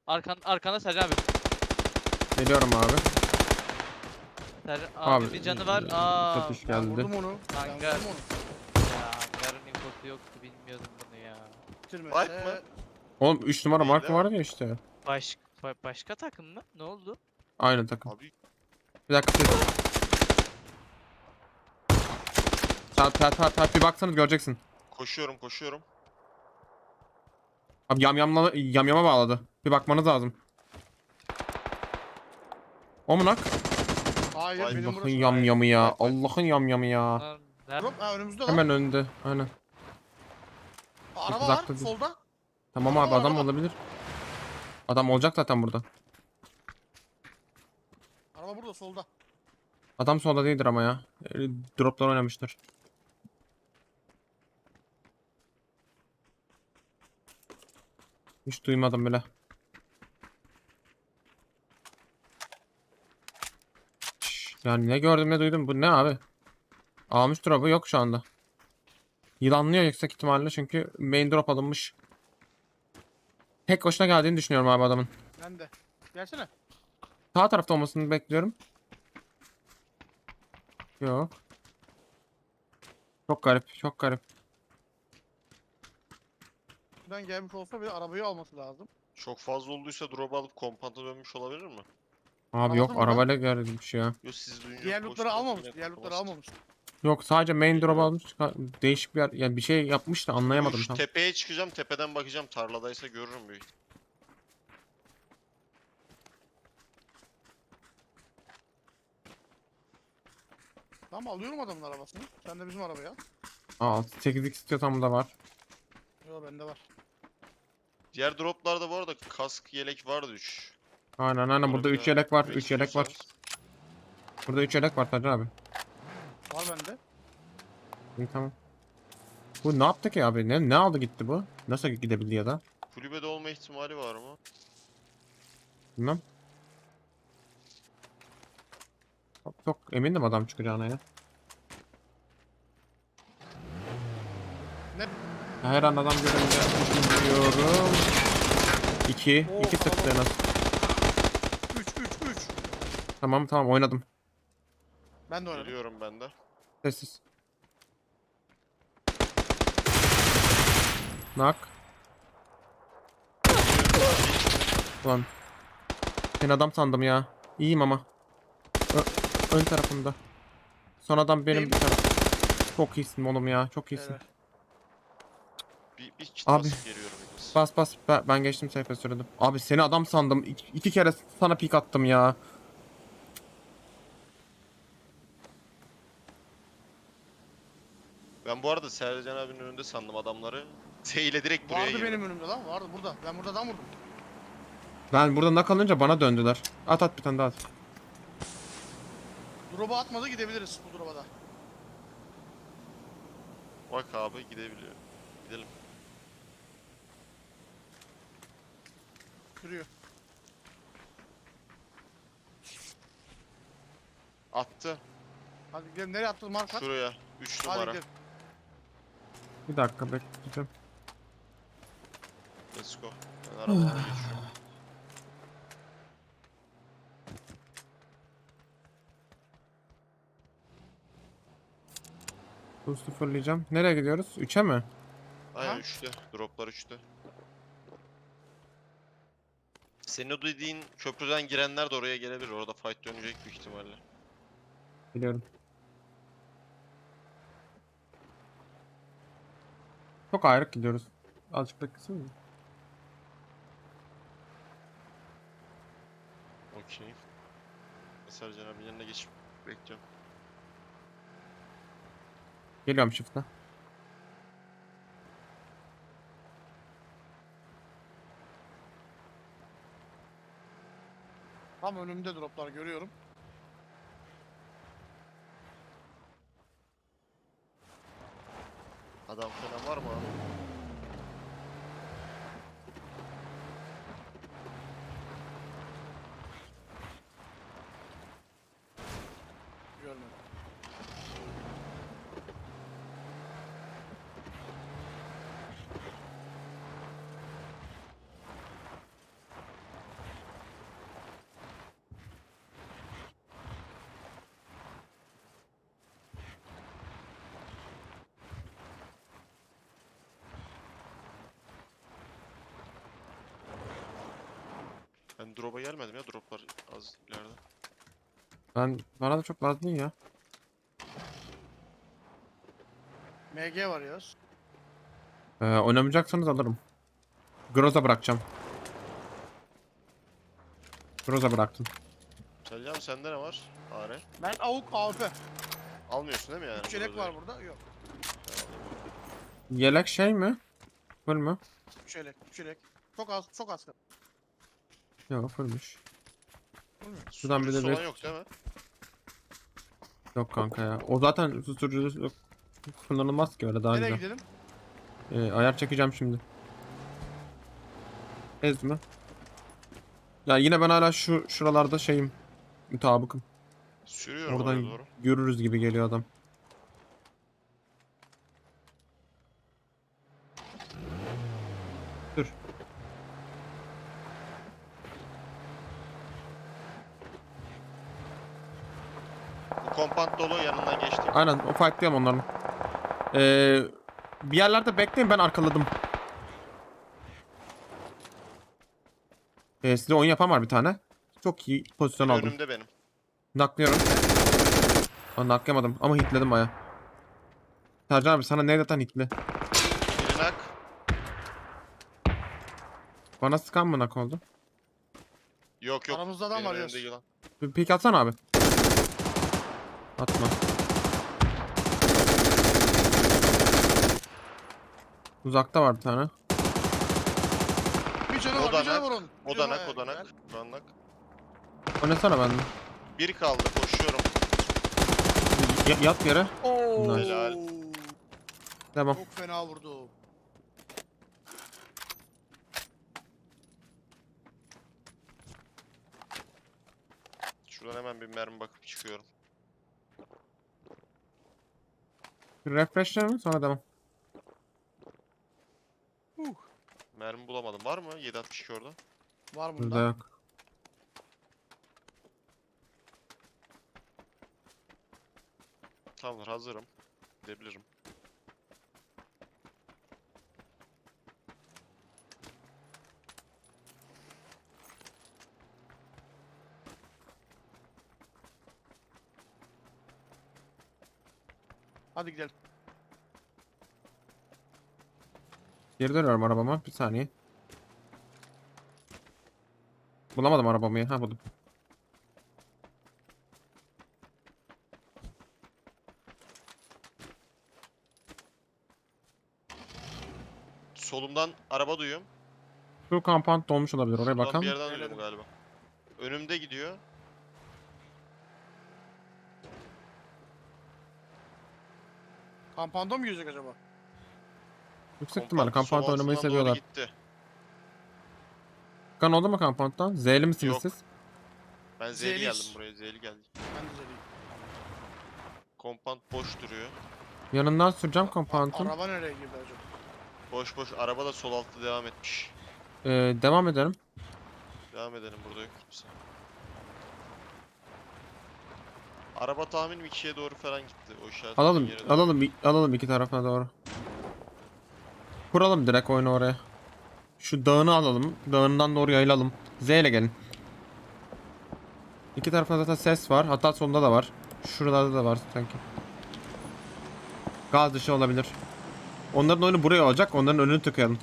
Arkanda Sercan abi. Geliyorum abi. Sercan Abi, abi bir canı var. satış Ben geldi. vurdum onu. Ben Hangar. vurdum onu. Ya hangarın infosu yoktu, bilmiyordum bunu ya. Bitirmese. Wipe mı? Oğlum 3 numara Değil, marka değil mi? vardı ya işte. Başka takım mı? Ne oldu? Aynı takım. Abi Bir dakika siz. Saat bir baksanız göreceksin. koşuyorum. Abi yamyama bağladı. Bir bakmanız lazım. O mu nak? Hayır Vay, benim Allah'ın burası. yamyamı ya. Vay. Allah'ın yamyamı ya. Bunlar nerede? Drop önümüzde lan. Hemen önünde. Aynen. Araba Biz var haklı değil. solda. Tamam Araba abi var, adam araba. olabilir. Adam olacak zaten burada. Araba burada solda. Adam solda değildir ama ya. Droplar oynamıştır. Hiç duymadım bile. Yani ne gördüm ne duydum. Bu ne abi? Almış drop'u yok şu anda. Yılanlıyor yüksek ihtimalle çünkü main drop alınmış. Tek başına geldiğini düşünüyorum abi adamın. Ben de. Gelsene. Sağ tarafta olmasını bekliyorum. Yok. Çok garip, çok garip. Buradan gelmiş olsa bile arabayı alması lazım. çok fazla olduysa drop alıp kompanta dönmüş olabilir mi? Abi Aldı yok mı lan? arabayla gelmiş ya. Yo siz duyunca Diğer lootları koştum, almamış. yine Diğer lootları tutulmaz. almamış. Yok sadece main drop Bilmiyorum. almış. Değişik bir yer. Yani bir şey yapmış da anlayamadım Şu tam. tepeye çıkacağım, tepeden bakacağım, tarladaysa görürüm büyük. Tamam alıyorum adamın arabasını. Sen de bizim arabaya al. Aa 8x istiyorsam da var. Yo bende var. Diğer droplarda bu arada kask, yelek vardı 3. Aynen burada 3 yelek var. 3 yelek var. Burada 3 yelek var Taci abi. Var bende. İyi tamam. Bu ne yaptı ki abi? Ne aldı gitti bu? Nasıl gidebildi ya da? Kulübede olma ihtimali var mı? Bilmem. Çok emindim adam çıkacağına ya. Ne? Her an adam görünce düşünüyorum. 2 Oo, 2 sıktı en az. 3. Tamam oynadım. Ben de oynadım. Geliyorum ben de. Sessiz. Nak. Ulan. Ben adam sandım ya. İyiyim ama. Ön tarafında. Son adam benim Neyim? bir taraf. Çok iyisin oğlum ya. Çok iyisin. Evet. Bir kit Abi. basıp geliyorum. henüz. Bas. Ben geçtim sayfa sürdüm. Abi seni adam sandım. İki kere sana pik attım ya. Ben bu arada Sercan abinin önünde sandım adamları. Z ile direkt buraya Vardı girdim. benim önümde lan. Vardı burada. Ben burada adam vurdum. Ben burada nak alınca bana döndüler. At bir tane daha at. Drop'a atmadı gidebiliriz bu drop'a da. Bak abi gidebiliyor. Gidelim. Sürüyor. Attı. Hadi gidelim. Nereye attın marka? Şuraya. 3 Hadi numara. gidelim. Bir dakika bekleyeceğim. Let's go. Ben arabalara geçiyorum. Bu sıfırlayacağım. Nereye gidiyoruz? 3'e mi? Aynen Ha? 3'te. Droplar 3'te. Senin o dediğin köprüden girenler de oraya gelebilir. Orada fight dönecek büyük ihtimalle. Biliyorum. Çok ayrık gidiyoruz. Azıcık beklesene mi? Okey. Sercan abinin yanına geçip bekliyorum. Geliyorum shift'e. Tam önümde droplar görüyorum. Adam falan var mı abi? Görmedim. Ben drop'a gelmedim ya. Drop'lar az ileride. Bana da çok lazım değil ya. MG var Yağız. Oynamayacaksanız alırım. Groza bırakacağım. Groza bıraktım. Selcan sende ne var? Are. Ben AUK AWP. Almıyorsun değil mi yani? 3 yelek Groza'yı? var burada. Yok. Yelek şey mi? Full mü? 3 yelek. 3 yelek. Çok az. Çok az. Yok fullmüş. Şuradan bir Susturucusu de olan bir- yok değil mi? Yok kanka ya. O zaten susturucu yok. Kullanılmaz ki öyle daha Nereye güzel. gidelim? Ayar çekeceğim şimdi. Ez mi? Ya yine ben hala şuralarda şeyim. Mutabıkım. Sürüyorum oraya Oradan doğru. görürüz gibi geliyor adam. Dur. Bu kompant dolu yanından geçtim. Aynen o fightlayalım onların. Bir yerlerde bekleyin, ben arkaladım. Size oyun yapan var bir tane. Çok iyi pozisyon aldım. Önümde benim. Naklıyorum. Naklayamadım ama hitledim baya. Sercan abi sana nereden hitli? Biri nak. Bana sıkan mı nak oldu? Yok yok. Aramızda adam Benim var önümde Yağız. yılan. Bir pik atsana abi. Atma. Uzakta var bir tane. Bir canı var. Bir canı Odanak. var onun. Bir canı Odanak var. odanak. Güzel. Odanak. Oynasana benden. Bir kaldı koşuyorum. Yat yere. Oo. Helal. Tamam. Çok fena vurdu. Şuradan hemen bir mermi bakıp çıkıyorum. Bir refreshler mi? Sonra devam. Mermi bulamadım. Var mı? 7.62 orada. Var Burada bunda. yok. Tamamdır hazırım. Gidebilirim. Hadi gidelim. Geri dönüyorum arabama. Bir saniye. Bulamadım arabamı ya. Ha buldum. Solumdan araba duyuyorum. Şu kampant dolmuş olabilir. Oraya Şuradan bakalım. bir yerden Gelelim. duydum galiba. Önümde gidiyor. Kampanda mı yüzecek acaba? Yüksek ihtimalle kampant sol oynamayı altından doğru seviyorlar. gitti. Kan oldu mu kampanttan? Z'li misiniz Yok. siz? Ben Z'li Z'liyiz. geldim buraya. Z'li geldim. Ben de zeliyim. Kompant boş duruyor. Yanından süreceğim kampantın. Araba nereye girdi acaba? Boş boş. Araba da sol altta devam etmiş. Devam edelim. Devam edelim burada yok kimse. Araba tahminim 2'ye doğru falan gitti. O işaret Alalım, yere doğru. alalım iki tarafına doğru. Kuralım direkt oyunu oraya. Şu dağını alalım. Dağından doğru yayılalım. Z ile gelin. İki tarafta zaten ses var. Hatta solunda da var. Şuralarda da var sanki. Gaz dışı olabilir. Onların oyunu buraya olacak. Onların önünü tıkayalım.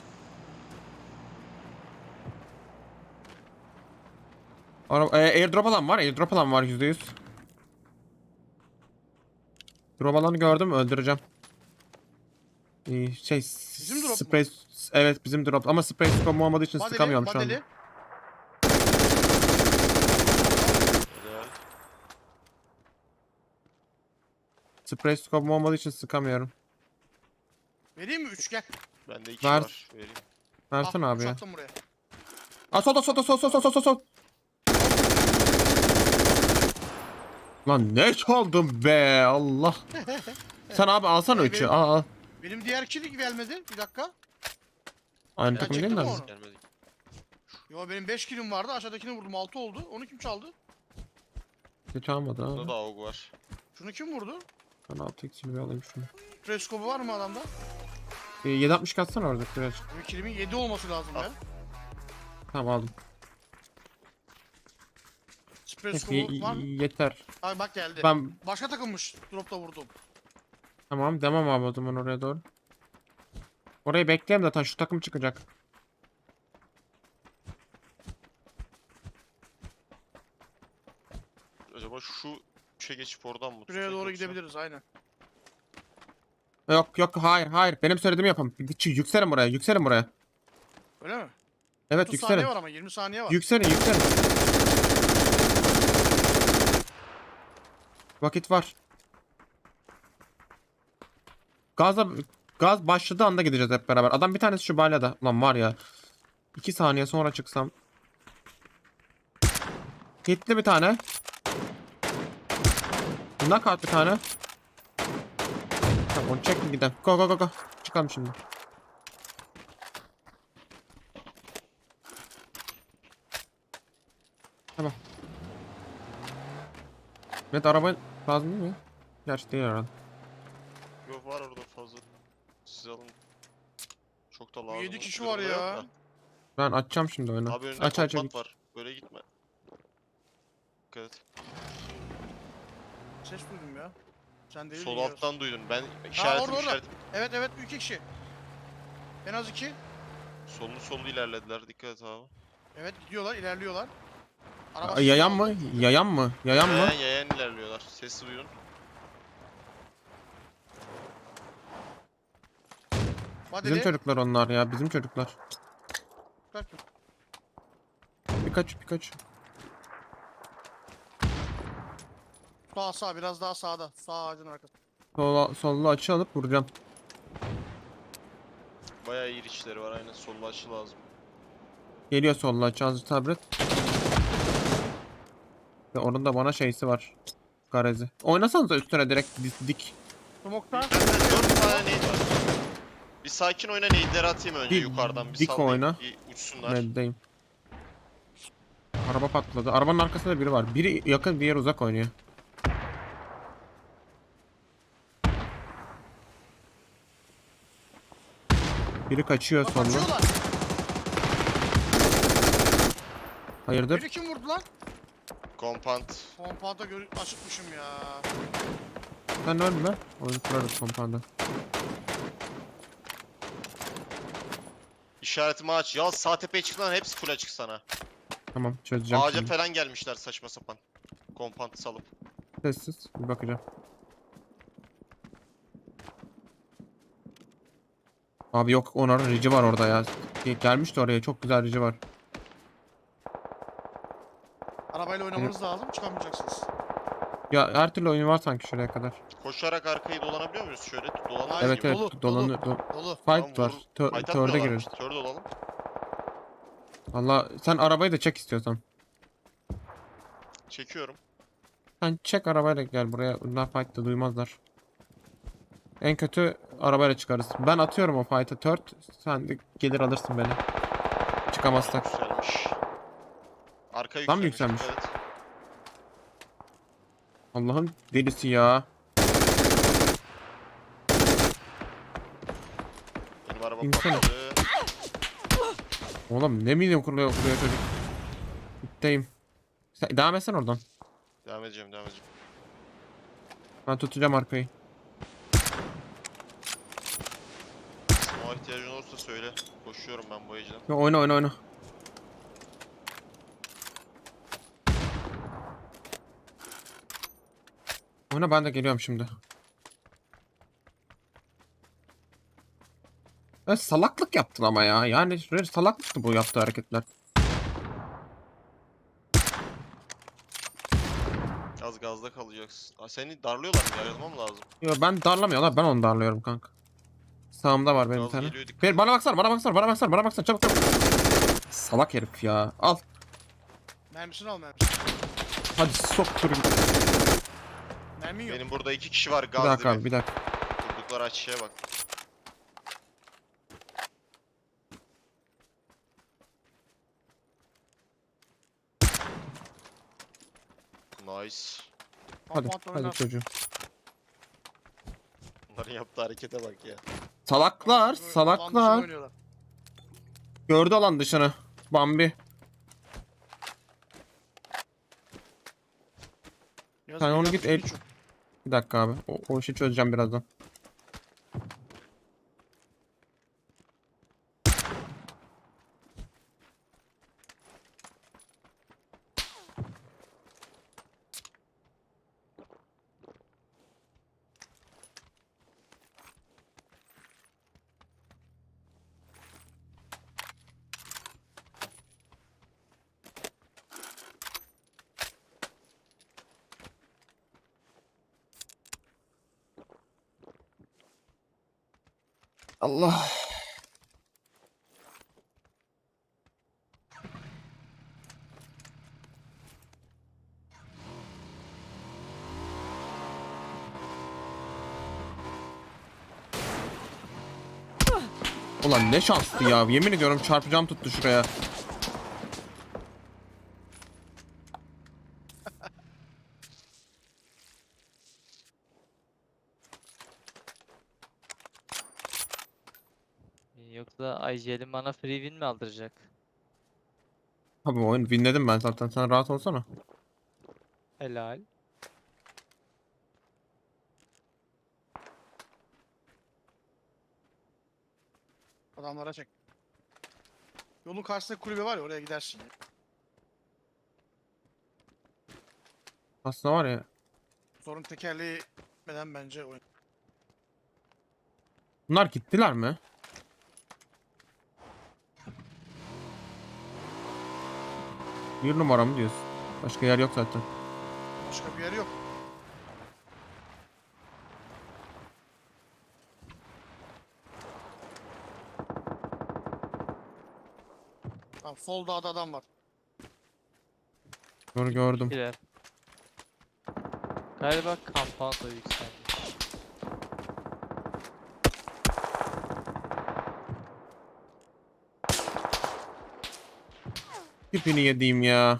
Airdrop alan var. Airdrop alan var %100. Drop alanı gördüm. Öldüreceğim. Bizim drop mu? Spray, evet bizim drop ama spray scope olmadığı için Badeli, sıkamıyorum şu anda. badeli. Helal. Spray scope olmadığı için sıkamıyorum. Vereyim mi? 3 gel. Bende 2 Ver. var. Vereyim. Versene abi ya. Attım buraya. Aa sol. Lan ne çaldım be Allah. Sen abi alsana Evet. 3'ü. Al. Benim diğer kişi gelmedi. Bir dakika. Aynı Ben takım değil çektim mi? onu. Gelmedi. Yo benim 5 kilim vardı. Aşağıdakini vurdum. 6 oldu. Onu kim çaldı? Hiç almadı Bunda abi. da AUG var. Şunu kim vurdu? Ben 6x'ini bir alayım şunu. Preskobu var mı adamda? 760 katsana orada biraz. Benim kilimin 7 olması lazım Al. ya. Tamam aldım. Sprey Neyse, scope'u var mı? yeter. Ay bak geldi. Ben Başka takılmış. Dropta vurdum. tamam demem abi o zaman oraya doğru. Orayı bekleyelim zaten şu takım çıkacak. Acaba şu üçe geçip oradan mı Şuraya tutsak doğru yoksa? gidebiliriz aynen. Yok yok hayır benim söylediğimi yapın. Yükselin buraya. Öyle mi? Evet 30 saniye yükselin. var ama 20 saniye var. Yükselin. Vakit var. Gazla gaz başladığı anda gideceğiz hep beraber. Adam bir tanesi şu balyada. Ulan var ya. 2 saniye sonra çıksam. Hitli bir tane. Knockout bir tane. Tamam onu çekin gidelim. Go. Çıkalım şimdi. Tamam. Evet araba lazım değil mi? Gerçi değil herhalde. Yok var orada fazla. Siz alın. Çok da lazım. 7 kişi bir var durumda yok ya. da. Ben açacağım şimdi oyunu. Abi önünde Aç kompant git. var. Böyle gitme. Dikkat et. Ses duydum ya. Sen değil Sol alttan duydun. Ben orada, işaretim orada. işaretim. Evet 2 kişi. En az 2. Sollu ilerlediler. Dikkat et abi. Evet gidiyorlar ilerliyorlar. Yayan mı? Yayan mı? Yayan ilerliyorlar. Sesi duyun. Vadeli. Bizim çocuklar onlar ya. Bizim çocuklar. Kaç. Birkaç. Sağ biraz daha sağda. Sağ ağacın arkası. Sollu açı alıp vuracağım. Bayağı iyi içleri var. Aynen sollu açı lazım. Geliyor sollu açı. Azıcık sabret. Ve onun da bana şeysi var. Garezi. Oynasanıza üstüne direkt dik. Smokta. Bende 4 tane nade var. Bir sakin oyna nade'leri atayım önce Dik- yukarıdan. Bir dik sallayayım. oyna. Bir uçsunlar. Meddeyim. Araba patladı. Arabanın arkasında da biri var. Biri yakın, diğer uzak oynuyor. Biri kaçıyor Bak sollu. kaçıyorlar. Hayırdır? Beni kim vurdu lan? Kompant. Kompanta açıkmışım ya. Sen ölme. Oyun kurarız kompanda. İşaretimi aç. Ya sağ tepeye çık lan, hepsi full açık sana. Tamam çözeceğim Ağaca şimdi. falan gelmişler saçma sapan. Kompantı salıp. Sessiz. Bir bakacağım. Abi yok onların rici var orada ya. Gelmişti oraya. Çok güzel rici var. Arabayla oynamanız lazım çıkamayacaksınız. Ya her türlü oyun var sanki şuraya kadar. Koşarak arkayı dolanabiliyor muyuz şöyle? Dolanırız Hayır, Evet gibi. evet dolu, dolanıyor. Dolu. Fight var. Tamam, fight Törde atmıyorlarmış. gireriz. Tör dolalım. Valla sen arabayı da çek istiyorsan. Çekiyorum. Sen çek arabayla gel buraya. Bunlar fight'ta duymazlar. En kötü arabayla çıkarız. Ben atıyorum o fight'a tört. Sen de gelir alırsın beni. Çıkamazsak. Yükselmiş. Arka Tam yükselmiş. yükselmiş. dikkat et. Allah'ın delisi ya. Benim araba İnsana. patladı. Oğlum ne milyon kuruyor çocuk. Bitteyim. Sen devam etsen oradan. Devam edeceğim. Ben tutacağım arkayı. Smoke'a ihtiyacın olursa söyle. Koşuyorum ben bu ecden. Ya oyna. Oyna ben de geliyorum şimdi. Ya salaklık yaptın ama ya. Yani salaklıktı bu yaptığı hareketler. Az gazda kalacaksın. Aa, seni darlıyorlar mı? Yarılmam lazım. Yo ben darlamıyorlar. Ben onu darlıyorum kanka. Sağımda var benim bir Gaz tane. geliyor, dikkat Bir et. bana baksana çabuk. Salak herif ya. Al. Mermisini al mermisini. Hadi soktur git. Mermin yok. Benim burada 2 kişi var Bir gaz dakika dibi. abi bir dakika. Durdukları açıya bak. Nice. Hadi Kompanta hadi oynar. çocuğum. Bunların yaptığı harekete bak ya. Salaklar Alan dışı salaklar. oynuyorlar. Gördü alan dışını. Bambi. Sen onu git el. Çok. Bir dakika abi. O işi çözeceğim birazdan. Allah. Ulan ne şanslı ya. Yemin ediyorum çarpacağım tuttu şuraya. Yoksa IGL'in bana free win mi aldıracak? Abi oyun winledim ben zaten. Sen rahat olsana. Helal. Adamlara çek. Yolun karşısında kulübe var ya, oraya gidersin. Aslında var ya. Sorun tekerleği neden bence oyun. Bunlar gittiler mi? Bir numara mı diyorsun? Başka yer yok zaten. Başka bir yer yok. Tamam, sol dağda adam var. Gördüm. Girer. Galiba kampanya yükselmiş. Tipini yediğim ya.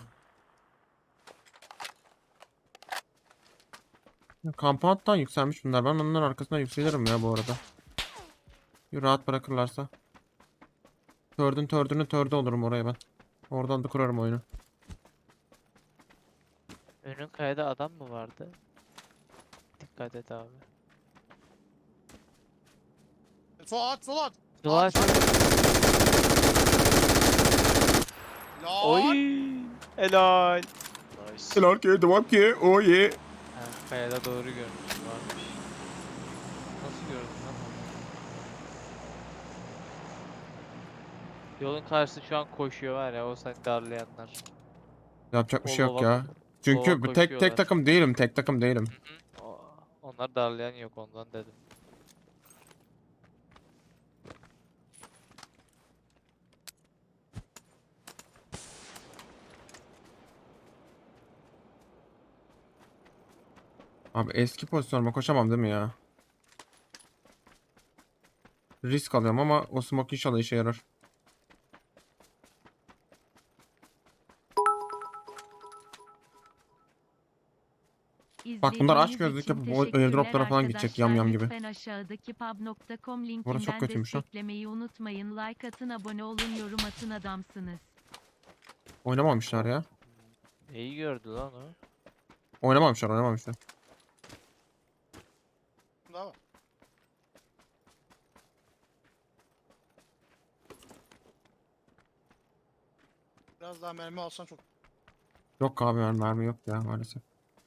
Compound'dan yükselmiş bunlar. Ben onların arkasına yükselirim ya bu arada. Bir rahat bırakırlarsa. Tördü olurum oraya ben. Oradan da kurarım oyunu. Önün kayada adam mı vardı? Dikkat et abi. Sol at, sol at. Dua At. Lan. Oy! Helal. Nice. Helal ki, devam ki. Oh yeah. Ha, kayada doğru görmüşüm varmış. Nasıl gördün lan onu? Yolun karşısı şu an koşuyor var ya, o seni darlayanlar. Yapacak bir şey yok Lova- ya. Çünkü lova bu tek koşuyorlar. takım değilim. Tek takım değilim. Hı hı. Onlar darlayan yok, ondan dedim. Abi eski pozisyonuma koşamam değil mi ya? Risk alıyorum ama o smoke inşallah işe yarar. Bak bunlar aç gözlük yapıp o airdroplara falan gidecek yam yam gibi. Lütfen aşağıdaki pub.com Burası çok linkinden kötüymüş lan. desteklemeyi unutmayın. Like atın, abone olun, yorum atın, adamsınız. Oynamamışlar ya. İyi gördü lan o. Oynamamışlar. Daha var. Biraz daha mermi alsan çok. Yok abi mermi yok ya maalesef.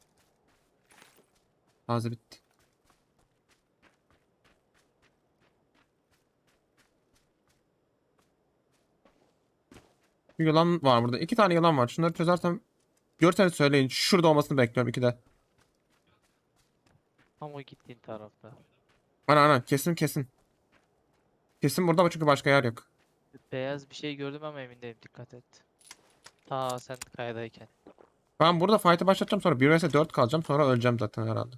Taze bitti. Bir yılan var burada. 2 tane yılan var. Şunları çözersem görseniz söyleyin. Şurada olmasını bekliyorum 2 de. Tam o gittiğin tarafta. Aynen kesin. Kesin burada ama çünkü başka yer yok. Beyaz bir şey gördüm ama emin değilim, dikkat et. Ta sen kayadayken. Ben burada fight'ı başlatacağım sonra 1 vs 4 kalacağım sonra öleceğim zaten herhalde.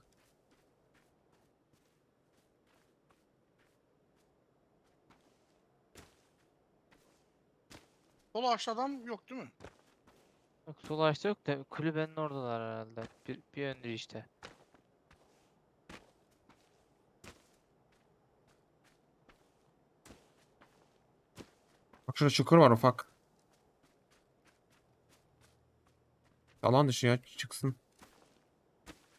Sol ağaçta adam yok değil mi? Yok, sol açta yok da kulübenin oradalar herhalde. Bir öndür işte. Bak şurada çukur var ufak. Alan dışı ya çıksın.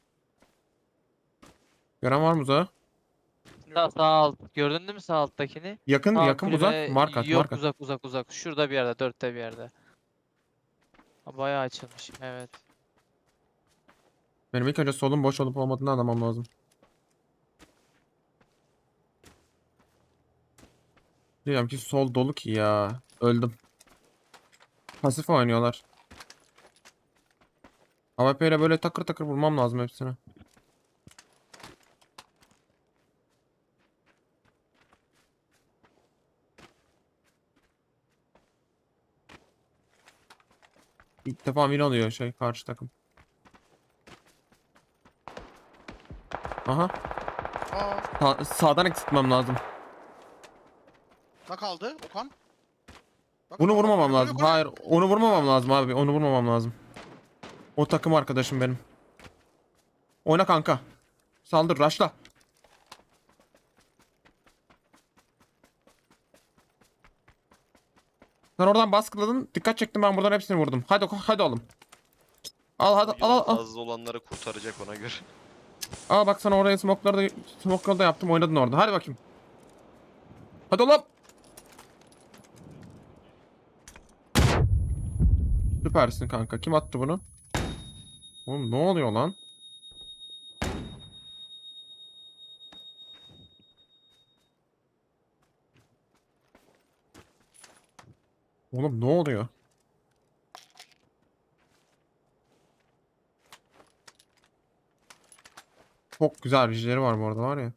Gören var mı uzağı? Sağ alt. Gördün değil mi sağ alttakini? Yakın Sağ yakın uzak. kulübe Mark at yok, mark at. uzak. Şurada bir yerde, dörtte bir yerde. Ha, bayağı açılmış. Evet. Benim ilk önce solun boş olup olmadığını anlamam lazım. Diyorum ki sol dolu ki ya. Öldüm. Pasif oynuyorlar. AWP ile böyle takır takır vurmam lazım hepsine. İlk defa win alıyor şey karşı takım. Aha. Sağdan eksiltmem lazım. Ne kaldı Okan? Bak, Bunu bak, bak, vurmamam yukarı, lazım. yukarı. Hayır, onu vurmamam lazım abi. Onu vurmamam lazım. O takım arkadaşım benim. Oyna kanka. Saldır, rushla. Sen oradan baskıladın. Dikkat çektim, ben buradan hepsini vurdum. Hadi oğlum. Al hadi O al yolun al. fazla olanları kurtaracak ona göre. Al bak sana oraya smoke'ları da yaptım, oynadın orada. Hadi bakayım. Hadi oğlum. Süpersin kanka. Kim attı bunu? Oğlum ne oluyor lan? Oğlum ne oluyor? Çok güzel vijleri var bu arada, var ya.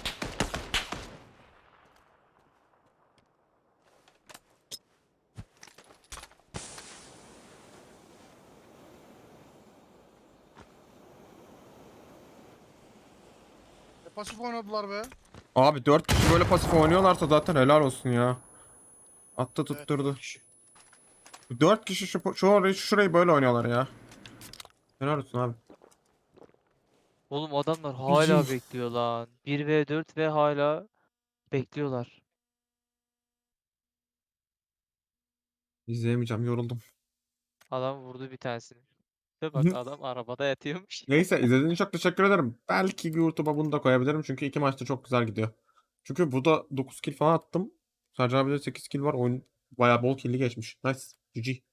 Pasif oynadılar be. Abi 4 kişi böyle pasif oynuyorlarsa zaten helal olsun ya. Attı Evet, tutturdu. 4 kişi. 4 kişi şurayı böyle oynuyorlar ya. Helal olsun abi. Oğlum adamlar hala bekliyor lan. 1v4 ve hala bekliyorlar. İzleyemeyeceğim, yoruldum. Adam vurdu bir tanesini. Ve bak adam arabada yatıyormuş. Neyse, izlediğiniz için çok teşekkür ederim. Belki YouTube'a bunu da koyabilirim çünkü iki maçta çok güzel gidiyor. Çünkü bu da 9 kill falan attım. Sercan abi de 8 kill var. Oyun bayağı bol kill'li geçmiş. Nice. GG.